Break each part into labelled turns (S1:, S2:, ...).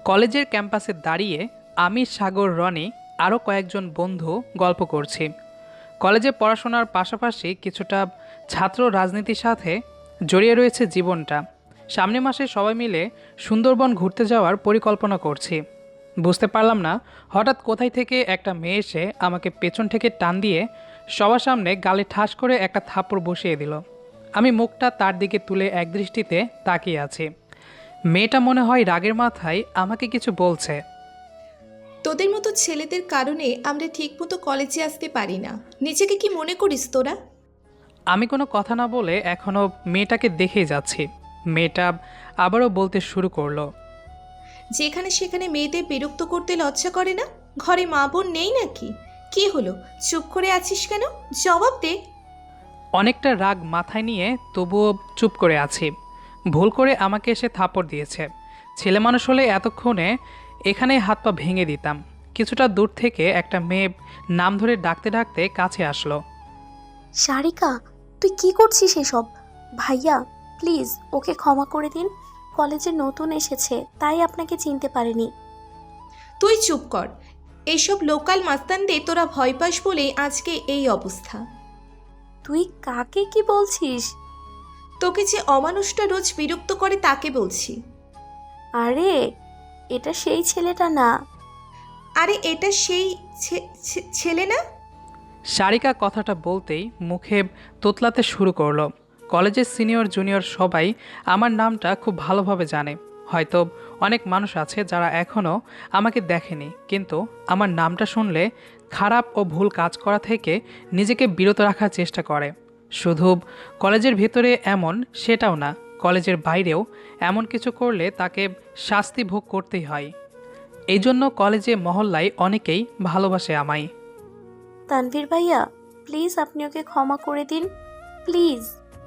S1: কলেজের ক্যাম্পাসে দাঁড়িয়ে আমি, সাগর, রনি আরও কয়েকজন বন্ধু গল্প করছি। কলেজে পড়াশোনার পাশাপাশি কিছুটা ছাত্র রাজনীতির সাথে জড়িয়ে রয়েছে জীবনটা। সামনের মাসে সবাই মিলে সুন্দরবন ঘুরতে যাওয়ার পরিকল্পনা করছি। বুঝতে পারলাম না হঠাৎ কোথায় থেকে একটা মেয়ে এসে আমাকে পেছন থেকে টান দিয়ে সবার সামনে গালে ঠাস করে একটা থাপ্পড় বসিয়ে দিল। আমি মুখটা তার দিকে তুলে একদৃষ্টিতে তাকিয়ে আছি। মেয়েটা মনে হয় রাগের মাথায় আমাকে কিছু বলছে।
S2: তোদের মতো ছেলেদের কারণে আমরা ঠিকমতো কলেজে আসতে পারি না। নিজেকে কি মনে করিস তোরা?
S1: আমি কোনো কথা না বলে এখনও মেয়েটাকে দেখেই যাচ্ছি। মেয়েটা আবারও বলতে শুরু করলো।
S2: যেখানে সেখানে মেয়েদের বিরক্ত করতে লজ্জা করে না? ঘরে মা বোন নেই নাকি? কি হলো, চুপ করে আছিস কেন? জবাব দে।
S1: অনেকটা রাগ মাথায় নিয়ে তবুও চুপ করে আছি। ভুল করে আমাকে এসে থাপড় দিয়েছে। ছেলে মানুষ হলে এতক্ষণে এখানেই হাত পা ভেঙে দিতাম। কিছুটা দূর থেকে একটা মেয়ে নাম ধরে ডাকতে ডাকতে কাছে আসলো।
S3: সারিকা, তুই কি করছিস এসব? ভাইয়া, প্লিজ ওকে ক্ষমা করে দিন। কলেজে নতুন এসেছে, তাই আপনাকে চিনতে পারেনি।
S2: তুই চুপ কর। এইসব লোকাল মাস্তানদের তোরা ভয় পাস বলেই আজকে এই অবস্থা।
S3: তুই কাকে কি বলছিস?
S2: তোকে যে অমানুষটা রোজ বিরক্ত করে তাকে বলছি।
S3: আরে, এটা সেই ছেলেটা না।
S2: আরে এটা সেই ছেলে না?
S1: সারিকা কথাটা বলতেই মুখে তোতলাতে শুরু করলো। কলেজের সিনিয়র জুনিয়র সবাই আমার নামটা খুব ভালোভাবে জানে। হয়তো অনেক মানুষ আছে যারা এখনও আমাকে দেখেনি, কিন্তু আমার নামটা শুনলে খারাপ ও ভুল কাজ করা থেকে নিজেকে বিরত রাখার চেষ্টা করে। শুধু কলেজের ভিতরে এমন সেটাও না, কলেজের বাইরেও এমন কিছু করলে তাকে শাস্তি ভোগ করতেই হয়। এই জন্য কলেজে মহল্লায় অনেকেই ভালোবাসে আমায়।
S3: তানভীর ভাইয়া, প্লিজ আপনি ওকে ক্ষমা করে দিন, প্লিজ।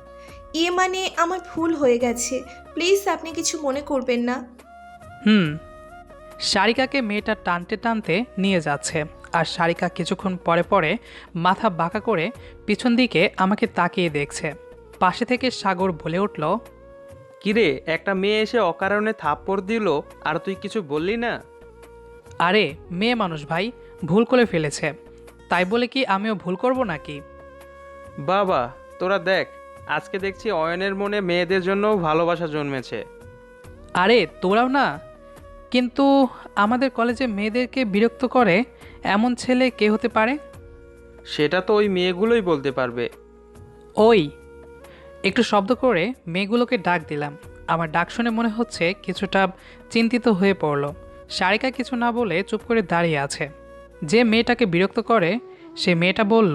S2: মানে আমার ভুল হয়ে গেছে, প্লিজ আপনি কিছু মনে করবেন না।
S1: হুম। সারিকাকে মেয়েটা টানতে টানতে নিয়ে যাচ্ছে, আর সারিকা কিছুক্ষণ পরে পরে মাথা বাঁকা করে পিছন দিকে আমাকে তাকিয়ে দেখছে। পাশে থেকে সাগর বলে উঠল,
S4: কিরে, একটা মেয়ে এসে অকারণে থাপ্পড় দিল আর তুই কিছু বললি না?
S1: আরে মেয়ে মানুষ ভাই, ভুল করে ফেলেছে, তাই বলে কি আমিও ভুল করব নাকি?
S4: বাবা, তোরা দেখ, আজকে দেখছি অয়নের মনে মেয়েদের জন্য ভালোবাসা জন্মেছে।
S1: আরে তোরাও না, কিন্তু আমাদের কলেজে মেয়েদেরকে বিরক্ত করে এমন ছেলে কে হতে পারে?
S4: সেটা তো ওই মেয়েগুলোই বলতে পারবে।
S1: ওই, একটু শব্দ করে মেয়েগুলোকে ডাক দিলাম। আমার ডাক শুনে মনে হচ্ছে কিছুটা চিন্তিত হয়ে পড়ল। সারিকা কিছু না বলে চুপ করে দাঁড়িয়ে আছে। যে মেয়েটাকে বিরক্ত করে সে মেয়েটা বলল,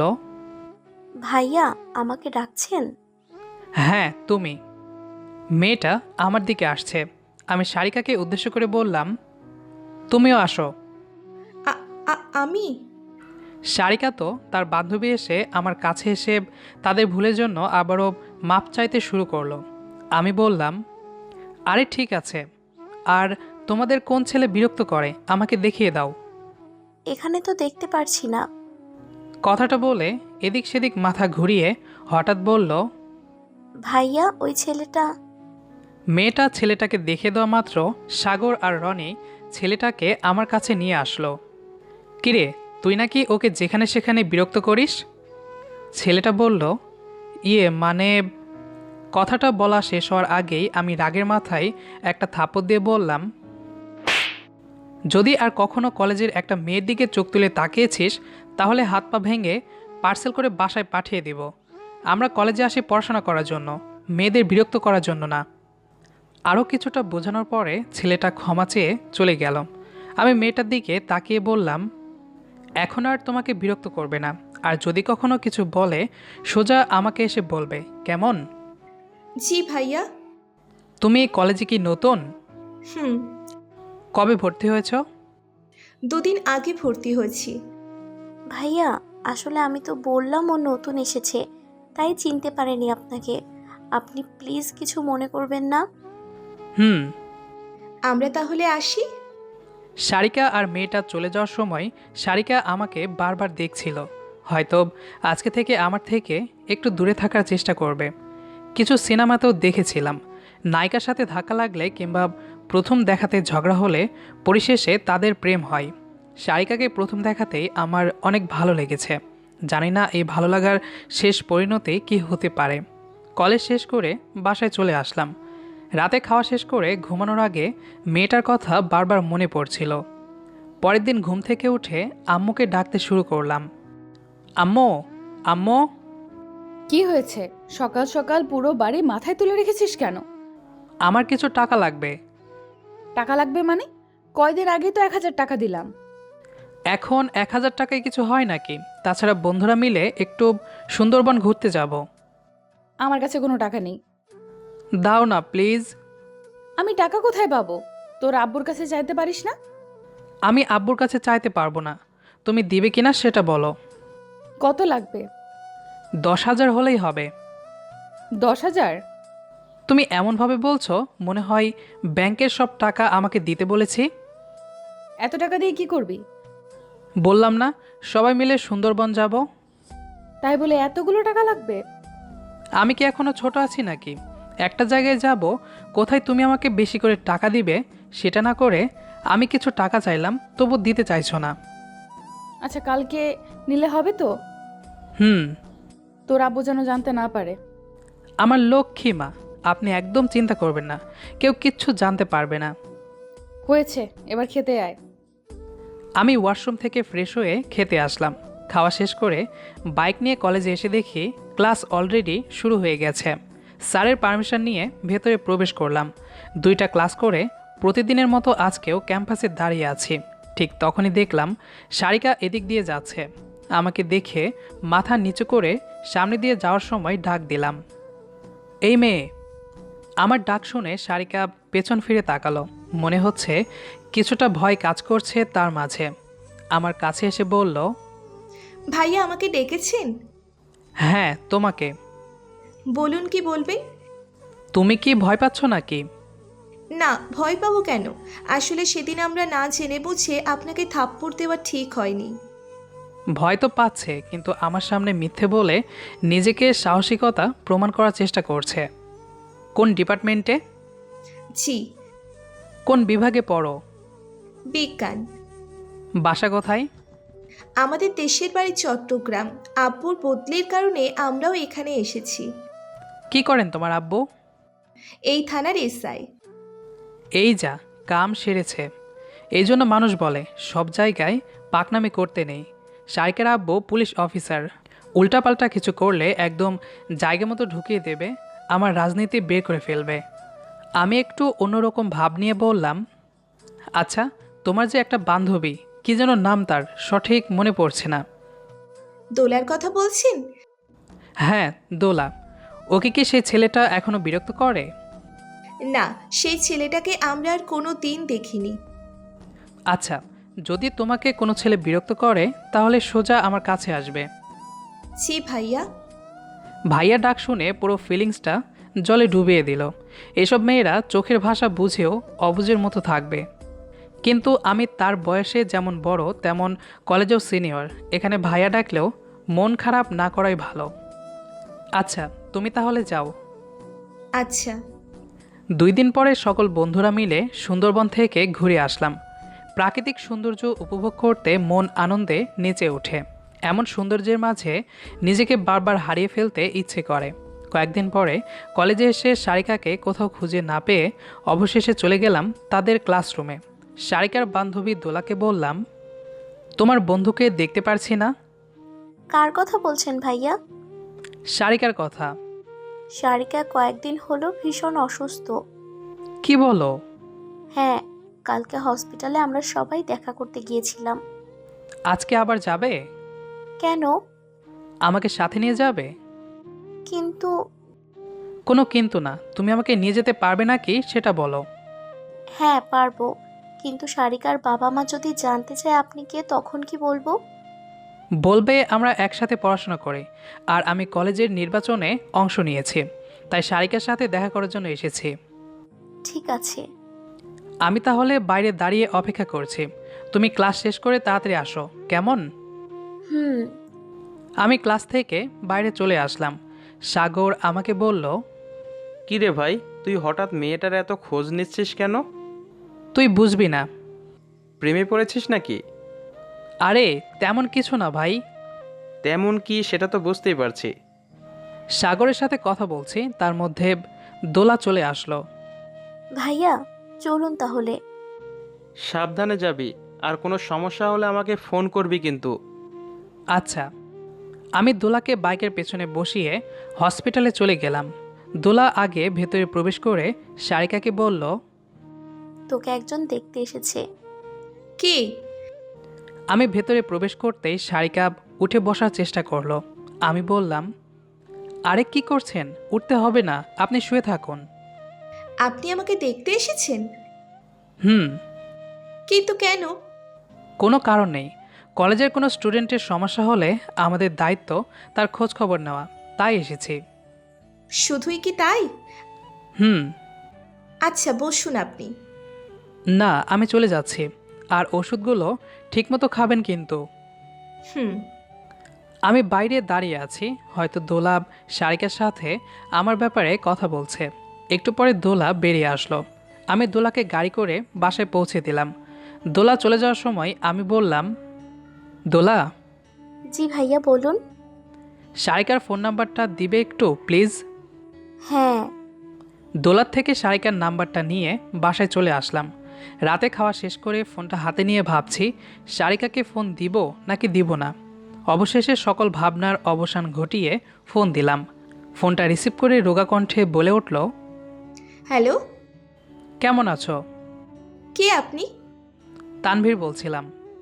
S3: ভাইয়া, আমাকে ডাকছেন?
S1: হ্যাঁ তুমি। মেয়েটা আমার দিকে আসছে। আমি সারিকাকে উদ্দেশ্য করে বললাম, তুমিও আসো।
S2: আমি?
S1: সারিকা তো তার বান্ধবী এসে আমার কাছে এসে তাদের ভুলের জন্য আবারও মাপ চাইতে শুরু করলো। আমি বললাম, আরে ঠিক আছে, আর তোমাদের কোন ছেলে বিরক্ত করে আমাকে দেখিয়ে দাও।
S3: এখানে তো দেখতে পারছি না।
S1: কথাটা বলে এদিক সেদিক মাথা ঘুরিয়ে হঠাৎ বলল,
S3: ভাইয়া, ওই ছেলেটা।
S1: মেয়েটা ছেলেটাকে দেখে দেওয়া মাত্র সাগর আর রনি ছেলেটাকে আমার কাছে নিয়ে আসলো। কিরে, তুই নাকি ওকে যেখানে সেখানে বিরক্ত করিস? ছেলেটা বলল, মানে। কথাটা বলা শেষ হওয়ার আগেই আমি রাগের মাথায় একটা থাপড় দিয়ে বললাম, যদি আর কখনো কলেজের একটা মেয়ের দিকে চোখ তুলে তাকিয়েছিস তাহলে হাত পা ভেঙে পার্সেল করে বাসায় পাঠিয়ে দিব। আমরা কলেজে আসি পড়াশোনা করার জন্য, মেয়েদের বিরক্ত করার জন্য না। আরও কিছুটা বোঝানোর পরে ছেলেটা ক্ষমা চেয়ে চলে গেল। আমি মেয়েটার দিকে তাকিয়ে বললাম, এখন আর তোমাকে বিরক্ত করবে না, আর যদি কখনো কিছু বলে সোজা আমাকে এসে বলবে, কেমন?
S2: জি ভাইয়া।
S1: তুমি এই কলেজে কি নতুন?
S2: হুম।
S1: কবে ভর্তি হয়েছ?
S2: দুদিন আগে ভর্তি হয়েছি।
S3: ভাইয়া, আসলে আমি তো বললাম ও নতুন এসেছে, তাই চিনতে পারেনি আপনাকে। আপনি প্লিজ কিছু মনে করবেন না।
S1: হুম।
S2: আমরা তাহলে আসি।
S1: সারিকা আর মেয়েটা চলে যাওয়ার সময় সারিকা আমাকে বারবার দেখছিল। হয়তো আজকে থেকে আমার থেকে একটু দূরে থাকার চেষ্টা করবে। কিছু সিনেমাতেও দেখেছিলাম, নায়িকার সাথে ধাক্কা লাগলে কিংবা প্রথম দেখাতে ঝগড়া হলে পরিশেষে তাদের প্রেম হয়। সারিকাকে প্রথম দেখাতেই আমার অনেক ভালো লেগেছে। জানি না এই ভালো লাগার শেষ পরিণতি কী হতে পারে। কলেজ শেষ করে বাসায় চলে আসলাম। রাতে খাওয়া শেষ করে ঘুমানোর আগে মেয়েটার কথা বারবার মনে পড়ছিল। পরের দিন ঘুম থেকে উঠে আম্মুকে ডাকতে শুরু করলাম। আম্মু, আম্মু।
S5: কি হয়েছে? সকাল সকাল পুরো বাড়ি মাথায় তুলে রেখেছিস কেন?
S1: আমার কিছু টাকা লাগবে।
S5: টাকা লাগবে মানে? কয়দিন আগেই তো 1,000 টাকা দিলাম।
S1: এখন 1,000 টাকায় কিছু হয় নাকি? তাছাড়া বন্ধুরা মিলে একটু সুন্দরবন ঘুরতে যাব।
S5: আমার কাছে কোনো টাকা নেই।
S1: দাও না প্লিজ।
S5: আমি টাকা কোথায় পাবো? তোর আব্বুর কাছে চাইতে পারিস না?
S1: আমি আব্বুর কাছে চাইতে পারবো না। তুমি দিবে কিনা সেটা বলো।
S5: কত লাগবে?
S1: 10,000 হলেই হবে।
S5: 10,000?
S1: তুমি এমনভাবে বলছো মনে হয় ব্যাংকের সব টাকা আমাকে দিতে বলেছি।
S5: এত টাকা দিয়ে কি করবি?
S1: বললাম না সবাই মিলে সুন্দরবন যাব।
S5: তাই বলে এতগুলো টাকা লাগবে?
S1: আমি কি এখনো ছোট আছি নাকি? একটা জায়গায় যাব, কোথায় তুমি আমাকে বেশি করে টাকা দিবে সেটা না করে আমি কিছু টাকা চাইলাম, তবু দিতে চাইছো না।
S5: আচ্ছা, কালকে নিলে হবে তো?
S1: হুম।
S5: তোর আব্বু যেন জানতে না পারে।
S1: আমার লক্ষ্মী মা, আপনি একদম চিন্তা করবেন না, কেউ কিচ্ছু জানতে পারবে না।
S5: হয়েছে, এবার খেতে আয়।
S1: আমি ওয়াশরুম থেকে ফ্রেশ হয়ে খেতে আসলাম। খাওয়া শেষ করে বাইক নিয়ে কলেজে এসে দেখি ক্লাস অলরেডি শুরু হয়ে গেছে। স্যারের পারমিশন নিয়ে ভেতরে প্রবেশ করলাম। 2টা ক্লাস করে প্রতিদিনের মতো আজকেও ক্যাম্পাসে দাঁড়িয়ে আছি। ঠিক তখনই দেখলাম সারিকা এদিক দিয়ে যাচ্ছে। আমাকে দেখে মাথা নিচু করে সামনে দিয়ে যাওয়ার সময় ডাক দিলাম, এই মেয়ে। আমার ডাক শুনে সারিকা পেছন ফিরে তাকালো। মনে হচ্ছে কিছুটা ভয় কাজ করছে তার মাঝে। আমার কাছে এসে বলল,
S2: ভাইয়া আমাকে ডেকেছেন?
S1: হ্যাঁ তোমাকে।
S2: বলুন, কি বলবেন?
S1: তুমি কি ভয় পাচ্ছ নাকি?
S2: না, ভয় পাবো কেন? আসলে সেদিন আমরা না জেনে বুঝে আপনাকে থাপ্পড় দেওয়া ঠিক হয়নি।
S1: ভয় তো পাচ্ছে, কিন্তু আমার সামনে মিথ্যে বলে নিজেকে সাহসিকতা প্রমাণ করার চেষ্টা করছে। কোন ডিপার্টমেন্টে?
S2: জি,
S1: কোন বিভাগে পড়ো?
S2: বিজ্ঞান।
S1: বাসা কোথায়?
S2: আমাদের দেশের বাড়ি চট্টগ্রাম। আব্বুর বদলির কারণে আমরাও এখানে এসেছি।
S1: কি করেন তোমার আব্বু?
S2: এই থানার এসআই।
S1: এই যা, কাম সেরেছে। এই জন্য মানুষ বলে সব জায়গায় পাকনামি করতে নেই। সাইকের আব্বু পুলিশ অফিসার। উল্টাপাল্টা কিছু করলে একদম জায়গা মতো ঢুকিয়ে দেবে, আমার রাজনীতি বের করে ফেলবে। আমি একটু অন্যরকম ভাব নিয়ে বললাম, আচ্ছা তোমার যে একটা বান্ধবী, কি যেন নাম তার, সঠিক মনে পড়ছে না।
S2: দোলার কথা বলছেন?
S1: হ্যাঁ, দোলা। ওকে কি সেই ছেলেটা এখনো বিরক্ত করে?
S2: না, সেই ছেলেটাকে আমরা আর কোনো দিন দেখিনি।
S1: আচ্ছা, যদি তোমাকে কোনো ছেলে বিরক্ত করে তাহলে সোজা আমার কাছে আসবে।
S2: জি ভাইয়া।
S1: ভাইয়া ডাক শুনে পুরো ফিলিংসটা জলে ডুবিয়ে দিল। এসব মেয়েরা চোখের ভাষা বুঝেও অবুঝের মতো থাকবে। কিন্তু আমি তার বয়সে যেমন বড় তেমন কলেজেও সিনিয়র। এখানে ভাইয়া ডাকলেও মন খারাপ না করাই ভালো। আচ্ছা তুমি তাহলে যাও।
S2: আচ্ছা।
S1: 2 দিন পরে সকল বন্ধুরা মিলে সুন্দরবন থেকে ঘুরে আসলাম। প্রাকৃতিক সৌন্দর্য উপভোগ করতে মন আনন্দে নেচে ওঠে। এমন সৌন্দর্যের মাঝে নিজেকে বারবার হারিয়ে ফেলতে ইচ্ছে করে। কয়েকদিন পরে কলেজে এসে সারিকাকে কোথাও খুঁজে না পেয়ে অবশেষে চলে গেলাম তাদের ক্লাসরুমে। সারিকার বান্ধবী দোলাকে বললাম, তোমার বন্ধুকে দেখতে পারছি না।
S3: কার কথা বলছেন ভাইয়া?
S1: সারিকার কথা।
S3: সারিকা কয়েকদিন হলো ভীষণ অসুস্থ।
S1: কি বলো?
S3: হ্যাঁ, কালকে হসপিটালে আমরা সবাই দেখা করতে গিয়েছিলাম।
S1: আজকে আবার যাবে?
S3: কেন?
S1: আমাকে সাথে নিয়ে যাবে?
S3: কিন্তু
S1: কোনো কিন্তু না, তুমি আমাকে নিয়ে যেতে পারবে নাকি সেটা বলো।
S3: হ্যাঁ পারবো, কিন্তু সারিকার বাবা মা যদি জানতে চায় আপনি কে, তখন কি বলবো?
S1: বলবে আমরা একসাথে পড়াশোনা করি, আর আমি কলেজের নির্বাচনে অংশ নিয়েছি, তাই সারিকার সাথে দেখা করার জন্য এসেছি।
S3: ঠিক আছে।
S1: আমি তাহলে বাইরে দাঁড়িয়ে অপেক্ষা করছি। তুমি ক্লাস শেষ করে তাড়াতাড়ি আসো, কেমন?
S3: হুম।
S1: আমি ক্লাস থেকে বাইরে চলে আসলাম। সাগর আমাকে বলল,
S4: কি রে ভাই, তুই হঠাৎ মেয়েটার এত খোঁজ নিচ্ছিস কেন?
S1: তুই বুঝবি না।
S4: প্রেমে পড়েছিস নাকি?
S1: আরে তেমন কিছু না ভাই।
S4: তেমন কি সেটা তো বুঝতেই পারছি।
S1: সাগরের সাথে কথা বলছি, তার মধ্যে দোলা চলে আসলো।
S3: ভাইয়া চলুন তাহলে।
S4: সাবধানে যাবি, আর কোনো সমস্যা হলে আমাকে ফোন করবি কিন্তু।
S1: আচ্ছা। আমি দোলাকে বাইকের পেছনে বসিয়ে হসপিটালে চলে গেলাম। দোলা আগে ভেতরে প্রবেশ করে সারিকাকে বলল,
S3: তোকে একজন দেখতে এসেছে।
S2: কে?
S1: আমি ভেতরে প্রবেশ করতেই সারিকা উঠে বসার চেষ্টা করলো। আমি বললাম, আরে কি করছেন? উঠতে হবে না, আপনি শুয়ে থাকুন।
S2: আপনি আমাকে দেখতে এসেছেন?
S1: হুম।
S2: কিন্তু কেন?
S1: কোনো কারণ নেই। কলেজের কোনো স্টুডেন্টের সমস্যা হলে আমাদের দায়িত্ব তার খোঁজ খবর নেওয়া, তাই এসেছি।
S2: শুধুই কি তাই?
S1: হুম।
S2: আচ্ছা বসুন আপনি।
S1: না, আমি চলে যাচ্ছি। আর ওষুধগুলো ঠিকমতো খাবেন কিন্তু।
S2: হুম।
S1: আমি বাইরে দাঁড়িয়ে আছি, হয়তো দোলাব সারিকার সাথে আমার ব্যাপারে কথা বলছে। একটু পরে দোলা বেরিয়ে আসলো। আমি দোলাকে গাড়ি করে বাসায় পৌঁছে দিলাম। দোলা চলে যাওয়ার সময় আমি বললাম, দোলা,
S3: জি ভাইয়া বলুন।
S1: সারিকার ফোন নাম্বারটা দিবে একটু প্লিজ।
S3: হ্যাঁ।
S1: দোলার থেকে সারিকার নাম্বারটা নিয়ে বাসায় চলে আসলাম। রাতে খাওয়া শেষ করে ফোনটা হাতে নিয়ে ভাবছি সারিকাকে ফোন দিব নাকি দিব না। অবশেষে সকল ভাবনার অবসান ঘটিয়ে ফোন দিলাম। ফোনটা রিসিভ করে রোগা কণ্ঠে বলে উঠল,
S2: হ্যালো,
S1: কেমন আছো?
S2: কে আপনি?
S1: তানভীর বলছিলাম।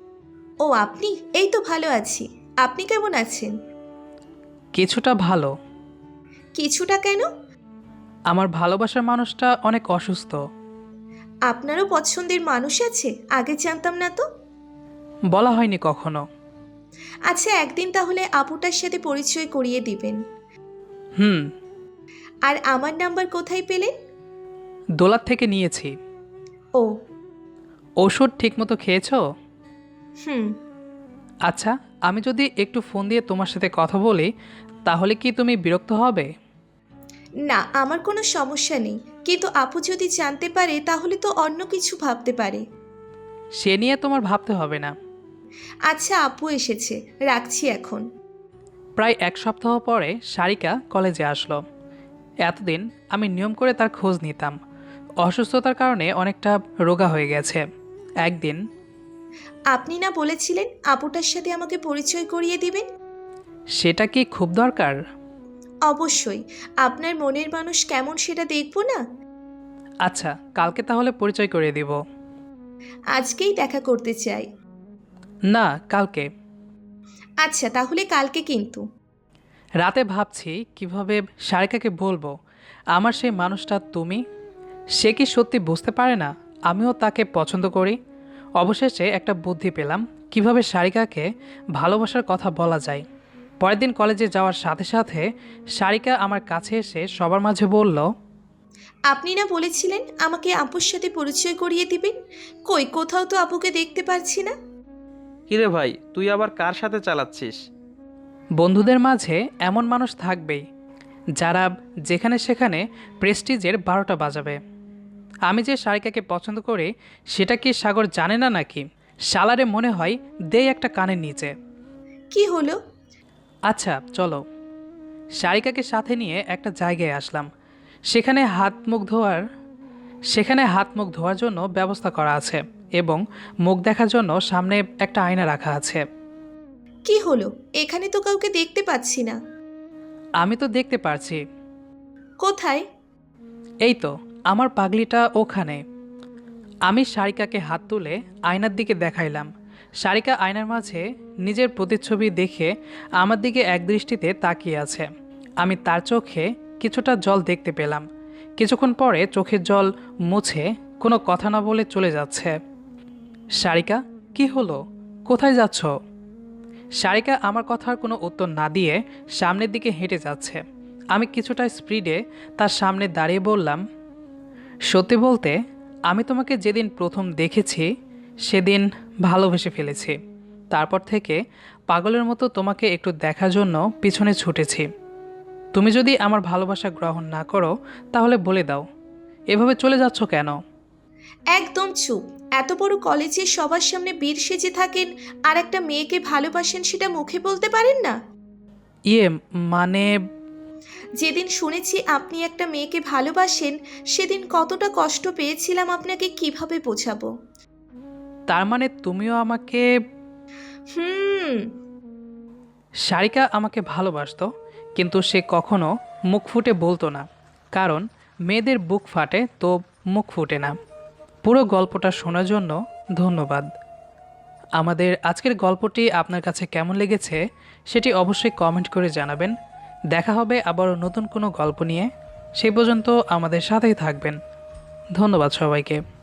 S2: ও আপনি? এই তো ভালো আছি। আপনি কেমন আছেন?
S1: কিছুটা ভালো।
S2: কিছুটা কেন?
S1: আমার ভালোবাসার মানুষটা অনেক অসুস্থ।
S2: আপনারও পছন্দের মানুষ আছে? আগে জানতাম না তো।
S1: বলা হয়নি কখনো।
S2: আচ্ছা একদিন তাহলে আপুটার সাথে পরিচয় করিয়ে দিবেন।
S1: হুম।
S2: আর আমার নাম্বার কোথায় পেলেন?
S1: দোলার থেকে নিয়েছি।
S2: ও।
S1: ওষুধ ঠিকমতো খেয়েছো?
S2: হুম।
S1: আচ্ছা, আমি যদি একটু ফোন দিয়ে তোমার সাথে কথা বলি তাহলে কি তুমি বিরক্ত হবে?
S2: না, আমার কোনো সমস্যা নেই, কিন্তু আপু যদি জানতে পারে তাহলে তো অন্য কিছু ভাবতে পারে।
S1: সে নিয়ে তোমার ভাবতে হবে না।
S2: আচ্ছা আপু এসেছে, রাখছি এখন।
S1: প্রায় এক সপ্তাহ পরে সারিকা কলেজে আসলো। এতদিন আমি নিয়ম করে তার খোঁজ নিতাম। অসুস্থতার কারণে অনেকটা রোগা হয়ে গেছে। একদিন,
S2: আপনি না বলেছিলেন আপুটার সাথে আমাকে পরিচয় করিয়ে দিবেন?
S1: সেটা কি খুব দরকার?
S2: অবশ্যই। আপনার মনের মানুষ কেমন সেটা দেখব না?
S1: আচ্ছা, কালকে তাহলে পরিচয় করে দিব।
S2: আজকেই দেখা করতে চাই।
S1: না, কালকে।
S2: আচ্ছা তাহলে কালকে কিন্তু।
S1: রাতে ভাবছি কিভাবে সারিকাকে বলবো আমার সেই মানুষটা তুমি। সে কি সত্যি বুঝতে পারে না আমিও তাকে পছন্দ করি? অবশেষে একটা বুদ্ধি পেলাম কিভাবে সারিকাকে ভালোবাসার কথা বলা যায়। পরের দিন কলেজে যাওয়ার সাথে সাথে সারিকা আমার কাছে এসে সবার মাঝে বলল,
S2: আপনি না বলেছিলেন আমাকে আপুর সাথে পরিচয় করিয়ে দিবেন? কই, কোথাও তো আপুকে দেখতে পাচ্ছি না।
S4: কিরে ভাই, তুই আবার কার সাথে চালাচ্ছিস?
S1: বন্ধুদের মাঝে এমন মানুষ থাকবেই যারা যেখানে সেখানে প্রেস্টিজের 12টা বাজাবে। আমি যে সারিকাকে পছন্দ করি সেটা কি সাগর জানে না নাকি? শালারে মনে হয় দেই একটা কানের নিচে।
S2: কি হলো?
S1: আচ্ছা চলো। সারিকাকে সাথে নিয়ে একটা জায়গায় আসলাম। সেখানে হাত মুখ ধোয়ার জন্য ব্যবস্থা করা আছে এবং মুখ দেখার জন্য সামনে একটা আয়না রাখা আছে।
S2: কি হলো? এখানে তো কাউকে দেখতে পাচ্ছি না।
S1: আমি তো দেখতে পারছি।
S2: কোথায়?
S1: এই তো, আমার পাগলিটা ওখানে। আমি সারিকাকে হাত তুলে আয়নার দিকে দেখাইলাম। সারিকা আয়নার মাঝে নিজের প্রতিচ্ছবি দেখে আমার দিকে একদৃষ্টিতে তাকিয়ে আছে। আমি তার চোখে কিছুটা জল দেখতে পেলাম। কিছুক্ষণ পরে চোখের জল মুছে কোনো কথা না বলে চলে যাচ্ছে। সারিকা, কি হলো? কোথায় যাচ্ছ? সারিকা আমার কথার কোনো উত্তর না দিয়ে সামনের দিকে হেঁটে যাচ্ছে। আমি কিছুটা স্পিডে তার সামনে দাঁড়িয়ে বললাম, সত্যি বলতে আমি তোমাকে যেদিন প্রথম দেখেছি সেদিন ভালোবেসে ফেলেছি। তারপর থেকে পাগলের মতো তোমাকে একটু দেখার জন্য পিছনে ছুটেছি। তুমি যদি আমার ভালোবাসা গ্রহণ না করো তাহলে বলে দাও, এভাবে চলে যাচ্ছ কেন?
S2: একদম চুপ। এত বড় কলেজে সবার সামনে বীর সেজে থাকেন আর একটা মেয়েকে ভালোবাসেন সেটা মুখে বলতে পারেন না?
S1: ইয়ে মানে
S2: যেদিন শুনেছি আপনি একটা মেয়েকে ভালোবাসেন সেদিন কতটা কষ্ট পেয়েছিলাম আপনাকে কিভাবে বোঝাবো।
S1: তার মানে তুমিও আমাকে
S2: হুম।
S1: সারিকা আমাকে ভালোবাসতো, কিন্তু সে কখনো মুখ ফুটে বলতো না, কারণ মেয়েদের বুক ফাটে তো মুখ ফুটে না। পুরো গল্পটা শোনার জন্য ধন্যবাদ। আমাদের আজকের গল্পটি আপনার কাছে কেমন লেগেছে সেটি অবশ্যই কমেন্ট করে জানাবেন। দেখা হবে আবার নতুন কোনো গল্প নিয়ে। সেই পর্যন্ত আমাদের সাথেই থাকবেন। ধন্যবাদ সবাইকে।